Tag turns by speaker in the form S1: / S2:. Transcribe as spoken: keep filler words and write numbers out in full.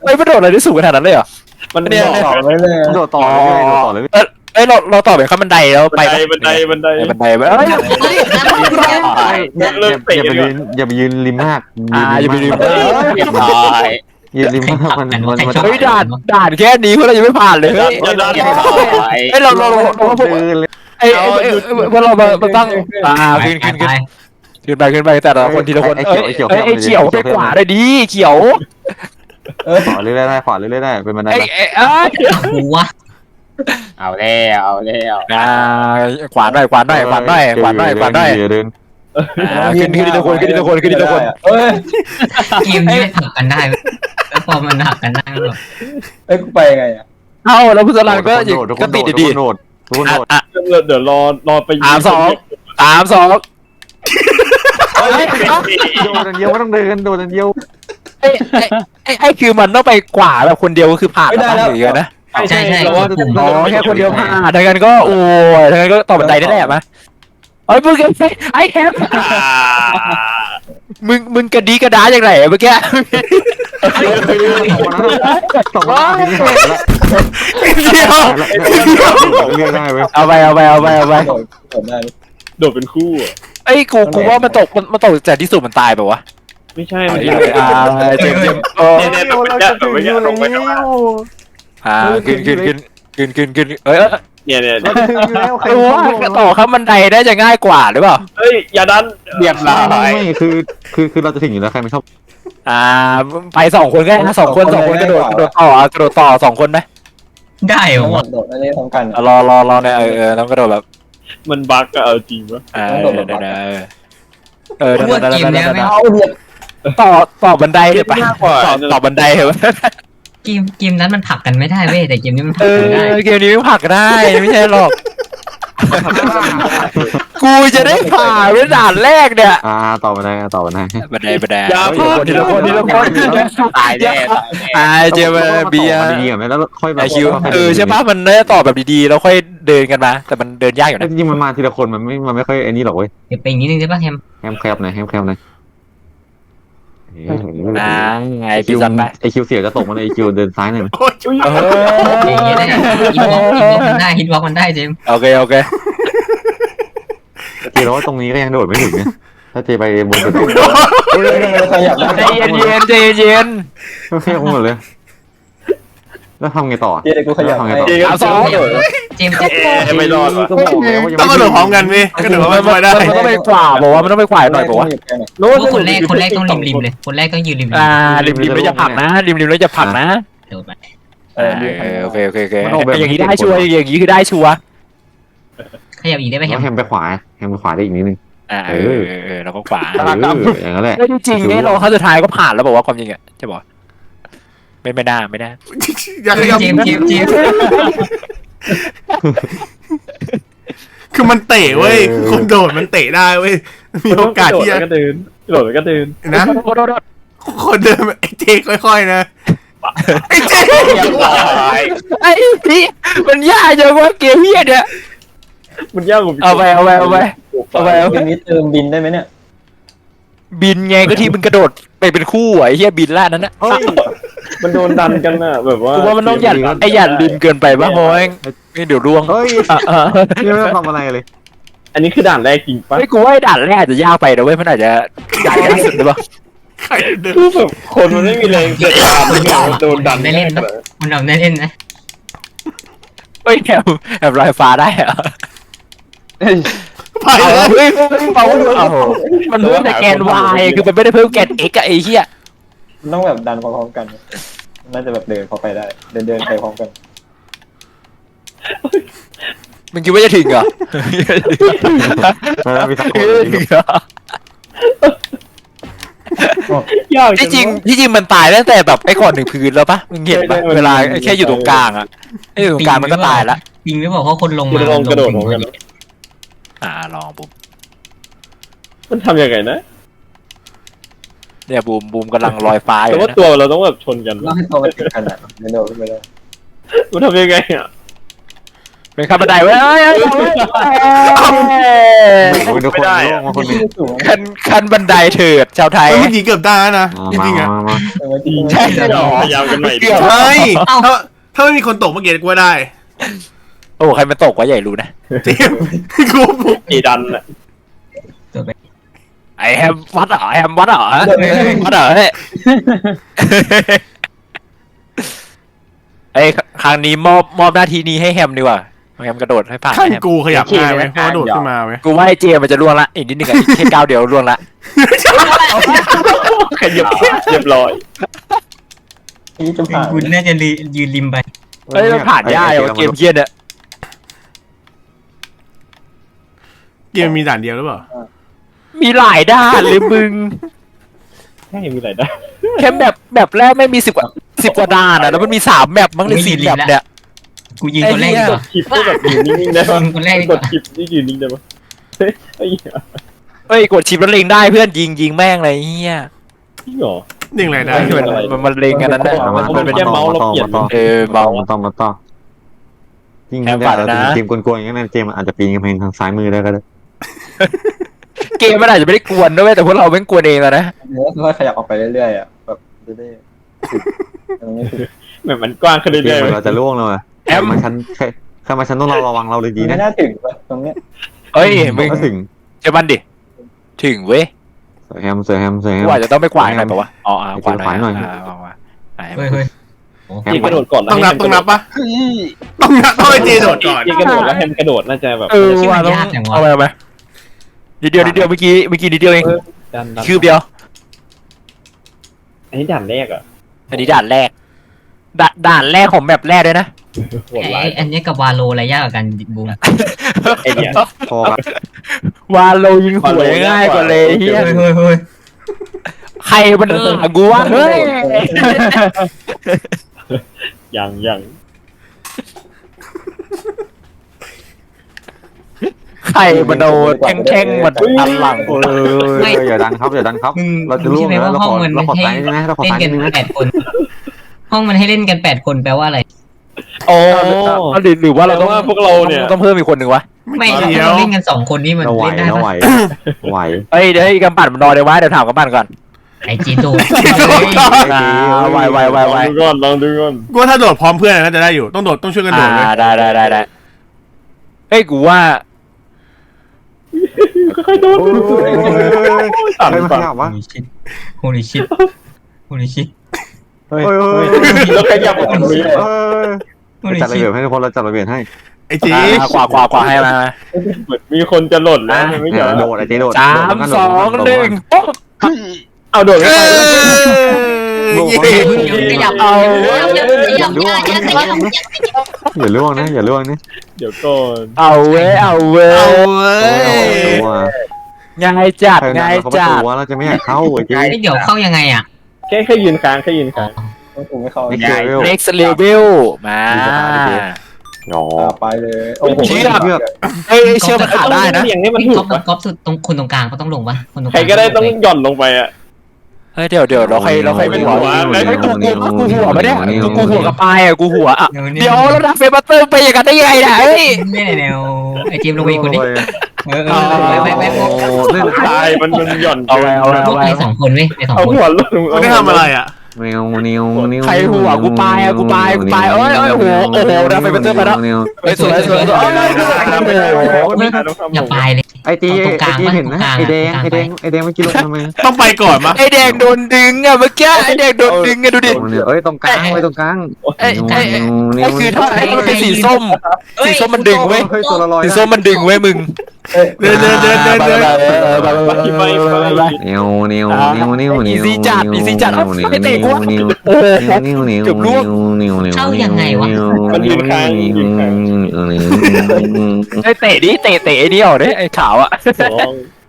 S1: ไม่ไม่โดดอะไรได้สูงขนาดนั้นเลยเหรอ
S2: มัน
S1: เนี่ย
S2: ต่อไปเลย
S3: โดดต่อเลยโดดต่อเลย
S1: เออเอ้ยเราเราต่อไปข้ามบันไดแล้วไป
S2: บันไดบันไดบันได
S1: บันไดไปเอ้ย
S3: อย่าไปยืนอย่าไปยืนริมมาก
S1: อ่าอย่าไปลืม
S4: เรียบร้อย
S3: ยืนริมมากมันมันมัน
S1: เฮ้ยด่านด่านแค่นี้พวกเรายังไม่ผ่านเลยเฮ้ย
S2: อย่าดัน
S4: เรียบร้อย
S1: เอ้ยเราเราเราเราพวก
S3: เดินเลย
S1: ไอ้พวกเรามาตั้งอ่าขึ้นขึ้นขึ้นขึ้นไปขึ้นไปแต่ละคนทีละคนเอ้ยไอ้เขียวไปขวาได้ดีเขียว
S3: ขวาเรื่อยๆได้ขวาเรื่อยๆได้เป็นบันได
S1: ไอ้ไอ้เอ้ย
S5: หัว
S4: เอาแล้วเอาแล้ว
S1: อ่าขวาหน่อยขวาหน่อยขวาหน่อยขวาหน่อยขวาหน่อย
S3: เดิน
S1: ขึ้นขึ้นทีละคนขึ้นทีละคนขึ้นทีละคน
S2: เอ้ย
S5: เกมนี้หักกันได้แล้วพอมันหักกันได้แล้ว
S2: เอ้ยกูไปไงอ่ะ
S1: เอ้าแล้วพุทธลังก็ก็ติดดี
S3: โดดทุกคนโดด
S1: อ่ะ
S2: เดี๋ยวรอรอไป
S1: สามสองสามสอง
S3: โดดอันเดียวไม่ต้องเดินโดดอันเดียว
S1: ไอ้ไอ้ไอ้คือมันต้องไปขวาแบบคนเดียวก็คือผ่านแล้วหรือไงนะ
S5: ใช่ใช่
S1: อ๋อแค่คนเดียวผ่านทางกันก็โอ้ยทางกันก็ต่อบันไดได้แหละมะไอ้มึงไอ้แฮมมึงมึงกระดีกระดาอย่างไรเมื่อกี้
S3: สองคนนี้หายแล้ว
S1: เดียว
S3: เรื่อยได้ไหม
S1: เอาไปเอาไปเอาไปเอาไป
S2: โดดได้โดดเป็นคู่อ่ะ
S1: ไอ้กูกูว่ามันตกมันตกแต่ที่สุดมันตายแบบวะ
S2: ไม่ใช่
S1: อ่า
S2: มัน
S1: เจมเจมโอ้
S2: เนี่ยเนี่ยแบบเนี่ยแบบเนี่ยลงไปข้างล่าง
S1: อ่าขึ้นขึ้นขึ้นขึ้นขึ้นขึ้นเอ้ย
S2: เนี่ยเนี่ย
S3: เราถึงแล้วใคร
S1: ไอ้ว่าต่อข้ามบันไดได้จะง่ายกว่าหรือเปล่า
S2: เฮ้ยอย่าดัน
S4: เรียบร้อย
S3: ไม่คือคือคือเราจะถึงอยู่แล้วใครไม่ชอบ
S1: อ่าไปสองคนก็ได้สองคนสองคนกระโดดกระโดดต่อกระโดดต่อสองคนไหม
S5: ได้เหรอ
S2: โดดอันนี้พร้อมกัน
S1: รอรอรอเนี่ยเออเออต้องกระโดดแบบ
S2: มันบั๊กอะเอาจริงปะ
S1: อ่าเออเออเออ
S5: ว่าเกมเนี้ยไม่
S2: เอาเดี๋ยว
S1: ต่อต่อบันไดเถอะไปต่อต่อบันไดเถอะ
S5: เกมเกมนั้นมันผลักกันไม่ได้เว้ยแต่เกมนี้มันผ
S1: เอ
S5: ลักกันได้
S1: อเกมนี้ไม่ผลักได้ไม่ใช่หรอกกูจะได้ผ่านเป็นด่านแรกเนี่ย
S3: อ่าต่อไปได้ต่อไปได้
S1: บันไดบันไดทีละคนทีละคนทีละคน
S4: ตายแน่ตายแน่
S1: ไอเจมเบียร์
S3: ดีอ่ะแล้วค่อย
S1: ไอคิวเออใช่ปะมันได้ต่อแบบดีๆแล้วค่อยเดินกันมาแต่มันเดินยากอยู่นะ
S3: จริงๆมันมาทีละคนมันไม่มันไม่ค่อยไอ้นี่หรอกเว้ย
S5: เดี๋ยวไปอีกนิดนึงได้ป่ะแฮม
S3: แฮมแคบหน่อยแฮมแคบหน่อย
S1: อ่าไง
S3: ไอคิ
S1: พี่
S3: ว
S1: ซันไป
S3: ไอคิวเสียจะตกมันไอคิวเดินซ้ายหน่อย
S1: เอ
S5: อย่างเงี้ยได้ฮิตบล็อกฮิตบล็อกมันได้ฮิตบล็อกมันได้เจม
S1: โอเคโอเค
S3: เจแล้วว่าตรงนี้ก็ยังโดดไม่ถึงเนี่ยถ้าเจไปบนสุด
S2: ขยับ
S1: ใจเย็นเย็นใจเย็น
S3: ก็แค่หมดเลยแล้วทำไงต่อ
S2: เดี๋ยวกูขยับให้
S1: เอาสอง
S5: เจมส์
S2: ไม่รอด
S3: ก็บอกแล้วว่ายัง
S6: ต้องกระโดดพร้อมกันพี่กระโดดพร้อมกันไม่ได้
S1: มันต้องไปขวาบอกว่ามันต้องไปขวาหน่อยบอกว่า
S5: คนแรกคนแรกต้องริมริมเลยคนแรกต้องยืนริมริม
S1: อ่าริมริมแล้วจะผลักนะริมริมแล้วจะผลักนะ
S5: โดดไป
S1: เออโอเคโอเคโอเคอย่างนี้ได้ชัวร์อย่างนี้คือได้ชัวร์
S5: ขยับอีกได้ไหมแฮ
S3: แล้ว
S5: ม
S3: แฮมไปขวาแฮมไปขวาได้อีกนิดนึง
S1: อ่าเออเออแล้วก็ขวา
S3: เอออย่างนั้นแหละ
S1: ไม่จริงไงเราขั้นสุดท้ายก็ผ่านแล้วบอกว่าความจริงอ่ะจะบอกไม่ไม่ได้ไม่ได้
S6: อยากขยับ
S5: เจมส์เจมส์เจมส์
S6: คือมันเตะเว้ยคนโดดมันเตะได้เว้ยมีโอกาสที่จะ
S2: ก็เดินโดดก็เดิน
S6: นะคนเดินไอ้เจค่อยๆนะไอ้เจ
S4: เรียบร้อย
S1: ไอ้พี่มันยากจังว่าเกมเฮียเนี่ย
S2: มันยากกว่า
S1: เอาไปเอาไปเอาไปเอาไปเอา
S2: เกมนี้เติมบินได้ไหมเนี่ย
S1: บินไงก็ที่มึงกระโดดไปเป็นคู่ไอ้เฮียบินล่านั้นนะ
S2: เฮ้ยมันโดนดันกันน่ะแบบว่า
S1: กูว่ามันต้องหยัดไอ้หยัดริมเกินไปป่ะโอ้ยเดี๋ยวร่วง
S3: เฮ้ยนี่ไม่ต้องทำอะไรเลย
S2: อันนี้คือด่านแรกจริงปะ
S1: ไอ้กูว่าด่านแรกอาจจะยากไปนะเว้ยมันอาจจะด่านยากสุดหรือเปล่า
S6: ใครเดิน
S2: คือแบบคนมันไม่มีแรงเกิดการโดนดัน
S5: ได้เล่นนะมันเราได้เล่นนะ
S1: เฮ้ยแอบแอบลอยฟ้าได้เหรอ
S6: ไป
S1: เอา
S6: แล้ว
S1: เฮ้ยเปล่ามันเพิ่มแต่แกน y คือมันไม่ได้เพิ่มแกน x อะไอ้เหี้ย
S2: มันต้องแบบดันพร้อมๆกันน่าจะแบบเดินพอไปได้ เดินเดินไปพร้อมกัน
S1: มึงคิดว่าจะถึงเหรอ
S3: แล้วมีสักคน
S1: ถึงเหรอย
S2: าก
S1: ที่จริงที่จริงมันตายตั้งแต่แบบไอ้ก่อนถึงพื้นแล้วปะมึงเห็นปะเวลาแค่อยู่ตรงกลางอะไอ้อยู่ตรงกลางมันก็ตายละ
S5: จริงหรือเปล่าเพราะคนลง
S2: คุณ
S5: มา
S2: ลองกระโดดพร้อมกัน
S1: อ่าลองบูม
S2: มันทำยังไงนะ
S1: เนี่ยบูมบูมกำลังลอยฟ้าอ
S2: แต่
S1: ยู่
S2: ว่า
S1: นะ
S2: ตัวเราต้องแบบชนกัน
S7: ต้องให้ตัวมันติดกันอ่ะไม่โดนไม่ได้
S2: มันทำยังไงอ่ะ
S1: เป็นขั้นบันไดเว้ยเอ้ยเอ้ยเอ้ย
S3: โอ้ยทุกคนล่วงมาคนหนึง
S2: สูง
S1: ขั้นขั้นบันไดเถิดชาวไทย
S6: เมื่อกี้เกือบได้แล้วนะจ
S3: มา
S6: ริงๆอ่ะ
S3: มามา
S1: ใช่เหรอ
S4: พยายามกันใหม่ดิ
S1: เกือบ
S6: ใช่ถ้าถ้าไม่มีคนตกเมื่อกี้กูว่าได้
S1: โอ้ใครมันตกวะใหญ่รู้นะ
S6: เจมส์กู
S4: อีดันอ่ะ
S5: ตัวไป
S1: ไอแฮมวัดเหรอไอแฮมวัดเหรอวัดเหรอเฮ้ยไอ้ครั้งนี้มอบมอบหน้าที่นี้ให้แฮมดีกว่าแฮมกระโดดให้ผ่าน
S6: ขั้น
S1: แฮม
S6: กูขยับง่ายไหมเพราะว่าโดดขึ้นมาไหม
S1: กูว่าไอเจมันจะล่วงละอีกนิดนึงอะแค่ก้าวเดียวล่วงละ
S4: ขยับเรียบร้อย
S2: นี่จะผ่าน
S5: คุณน่าจะยืนริมไป
S1: เฮ้ยมันผ่านยากอะเกมเกียนเนี่ย
S6: เกมมีด่านเดียวหรือเปล่า
S1: มีหลายด้านเลยมึง
S4: ใช่มีอะไรได้
S1: แค่แบบแบบแรกไม่มีสิบกว่าสิบกว่าด้านอะแล้วมันมีสามแมปมั้งเลยสี่แมปเนี่ย
S5: กูยิงคนแรกดีกว่า
S4: คลิปก็แบบอยู่นิ่งๆได้ปะ
S5: ยิงคนแรกดี
S4: ก
S5: ก
S4: ด
S5: ว่า
S4: คลิปนี่อยู่นิ่งได้ปะเฮ้ยไอ้เหี้ย
S1: เอ้ยกดชิปแล้วเล็งได้เพื่อนยิงยิงแม่งเลยเฮีย
S4: จริงเหรอ
S6: เด้งอะไรได้
S1: มันมันมันเล็งกันนั้นนะ
S3: มา
S1: มัน
S3: ต่อ
S1: มันเป็น
S3: มาต่อมาต่อมาต่อ
S1: เออเบา
S3: มาต่อมาต่อจริง
S1: แอบ
S3: ๆ
S1: ฝั
S3: แต่
S1: นนะ
S3: เกมกวนๆอย่างนั้นเจมอาจจะปีนกำแพงทางซ้ายมือได้ก็ได้
S1: เกมมันอาจจะไม่ได้กวนด้วยแต่พวกเราแม่งกวนเองอะนะ
S2: เนื้อค่อยขยับออกไปเรื่อยๆอ่ะแบบเรื่อยๆตรงนี้คือ
S4: แบบมันกว้างขึ้น
S3: เก
S4: เรื่อ
S3: ม
S4: ย
S3: เหมือนเราจะล่วงเลยว่ะใครมาชั้นใครใครมาชั้นต้องเราระวังเราเลยดี
S2: ไม่
S3: นะ
S2: น่าถึงว่ะตรงเนี้ย
S1: เอ้ยมึง
S3: ก็ถึง
S1: เชื่อมันดิถึงเว้ย
S3: เสือแฮมเสือแฮมเสือแฮม
S1: กูอาจจะต้องไปกวาดหน่อยป่าวะอ๋ออ่ากวาดหน่อย
S3: ขวาหน่อย
S1: อ่าเอามาไหน
S5: เฮ้ยเฮ้ย
S3: แฮ
S4: ๆ
S3: ม
S4: ยิงกระโดดก่อน
S6: ต้องนับต้องนับปะต้องนับต้องให้เจโดดก่อน
S4: ยิงกระโดดแล้วแฮมกระโดดน่าจะแบบ
S1: เออว่าต้องเอาไปเอาไปนิดเดียวนิดเดียวเมื่อกี้เมื่อกี้นิดเดียวเอง
S4: ดันดัน
S1: คืบเดียว
S4: อันนี้ด่านแรกอ่ะ
S1: อันนี้ด่านแรกด่านด่านแรกของแมปแรกด้วยนะ
S4: โหดร้า
S5: ไอ้
S4: ย
S5: อันนี้กับวาโลอะไรยากกว่ากันบูม
S4: ไอ้เนี่ย
S3: พอครับ
S1: วาโลยิงหัวง่ายกว่าเลยเฮีย
S5: เฮ้ยเฮ้ยเฮ้ย
S1: ใครมันหลังกูวะเฮ้ย
S4: ยังยัง
S1: ใครมันเอาแข้งๆมันอันหลัง
S3: เอออย่าดันครับอย่าดันครับ
S5: มึง
S3: เราจะล่วง
S5: ใช่ไหม
S3: แล้ว
S5: ว่า
S3: เรา
S5: ห้
S3: ข
S5: อง
S3: อ
S5: มัน
S3: เราขอ
S5: ให้
S3: ซ้ายนิดนึงนะเราขอ
S5: เล่น
S3: ซ้าย
S5: กั
S3: นิ
S5: น
S3: ดนึงนะ
S5: แปดคน ห้องมันให้เล่นกันแปดคนแปลว่าอะไร
S1: โอ้หรือหรือว่าเรา
S4: แต่
S1: ต้อง
S4: ว่าพวกเราเนี่ย
S1: ต้องเพิ่มอีกคนหนึ่งวะ
S5: ไม่
S6: เดี๋ยว
S5: เราเล่นกันสองคนนี่มัน
S3: เราไหว
S5: เล่นได้
S3: เราไหว
S5: ปะ
S3: ไหว
S1: เอ้ยเดี๋ยวให้กำปั่นมันนอนเดี๋ยววะเดี๋ยวถามกำปั่นก่อน
S5: ไอจีโด
S1: อ่าไวไวไว
S4: ล
S1: ไว
S4: องดูก่อนลองดูก่อน
S6: กูว่าถ้าโดดพร้อมเพื่อนน่าจะได้อยู่ต้องโดดต้องช่วยกันโด
S1: อ่า
S6: ดเลย
S1: ได้ได้ได้ได้เฮ้ยกูว่า
S4: ค่อยๆโดน
S3: ใครมาขยับวะ
S5: โฮลิชิตโฮลิชิต
S2: เฮ้ย
S3: เฮ้ย
S2: เฮ้ย
S4: แล้วขยับออกมาเลย
S3: เออ
S5: โฮลิ
S3: จัดระ
S5: ชิต
S3: เบียบให้ทุกคนเราจัดระเบียบให้
S6: ไอ้จี
S1: อ่ากว่ากว่ากว่าให้มา
S4: เหมือนมีคนจะหล่นแล้วไม่
S3: เนี่
S4: ใช่
S3: ยโดดไอ้เจ๊โดด
S1: สามสองหนึ่งปุ๊บ
S4: เอาโดดไม่
S6: เอ้
S4: ไป
S6: ย
S5: ขยับเอาขยับขยับขยับขยับขยับ
S3: อย่าล่วงนะอย่าล่วงนะ
S4: เดี๋ยวก่อน
S1: เอาเว้ยเอาเว้
S6: เอา
S1: ย
S6: เว้ย
S3: ตัว
S1: ง่ายจัด
S3: ใคร
S1: ง่าย
S3: เขาประ
S1: จัด
S3: ตูเราจะไม่อยากเข้าไอ้เจ๊
S5: เดี๋ยวเข้ายังไงอ่ะ
S4: แค่แค่ยืนค้างแค่ยืนค้าง
S2: ต้องถูกไม่เข้า
S3: ไม่เกี่ยว
S1: เน็กซ์เลเวลมา
S3: หยอ
S2: อ่าไปเลยโอ้โห
S3: เชือก
S1: เอ้ยเชื่อมันขาดได้นะ
S4: อย่างนี้มัน
S5: พี่
S4: ถู
S5: ก๊อก ฟ
S4: ปะ
S5: ก๊อฟสุดตรงคนตรงกลางก็ต้องลงปะคนตรงก
S4: ใคร
S5: ลาง
S4: ก็ได้ต้องหย่อนลงไปอ่ะ
S1: เฮ้ยเดี๋ยวเดี๋ยวเราใครเราใครเป็นหัวเฮ้ยกูกูกูหัวไม่ได้กูกูหัวกับปลายอ่ะกูหัวอ่ะเดี๋ยวเราดักเฟซบัตเตอร์ไปอย่างกันได้ยังไงเนี่ยเฮ้ย
S5: ไม่แนวไอจีมลงไปอีกคนนี้เออเออไปไปไป
S3: เล่น
S4: ตายมันมันหย่อน
S1: เอาไว้เอาไว้
S5: พวกไปสองคนเว้ยไปสอง
S4: เอา
S5: คน
S4: หัวลง
S6: มันได้ทำอะไรอ่ะ
S3: เนียวเนียวเนียว
S1: ใครหัวกูปลายอ่ะกูปลายกูปลายเอ้ยเอ้ยโอ้โหโอ้โหดักเฟซบัตเตอร์ไปแล้วเฮ้ยสวยสวยสวย
S5: อย่าไปเลย
S3: ไอจีไอจีเห็นนะไอแดงไอแดงไอแดงเมื่อกี้ลงทำไม
S6: ต้องไปก่อนมะ
S1: ไอแดงโดนดึงอ่ะเมื่อกี้ไอแดงโดนดึงอ่ะดูดิ
S3: เอ้ยตรงกลางไว้ตรงกลาง
S1: ไอ้ไอ้ไอ้คือถ้าไอ้มันเป็นสีส้มสีส้มมันดึงเว้ย
S3: เฮ้ยตัวละลอย
S1: สีส้มมันดึงเว้ยมึง
S6: เดินเดินเดินเดินเดิน
S4: ไปไป
S3: เนียวเนียวเนียวเนียว
S1: อีซี่จัดอีซี่จัด
S3: เนียวเนียว
S1: ไม่เตะกู
S3: เนียว
S1: โอ้โห
S3: เนียวเนียว
S1: เกือบล่วง
S3: เนียวเนียว
S4: มันยืนค้างยืนค้าง
S1: ไอ้เตะดิเตะเตะไอ้นี่ออกดิไอ้ขาวอ่ะ
S4: สอง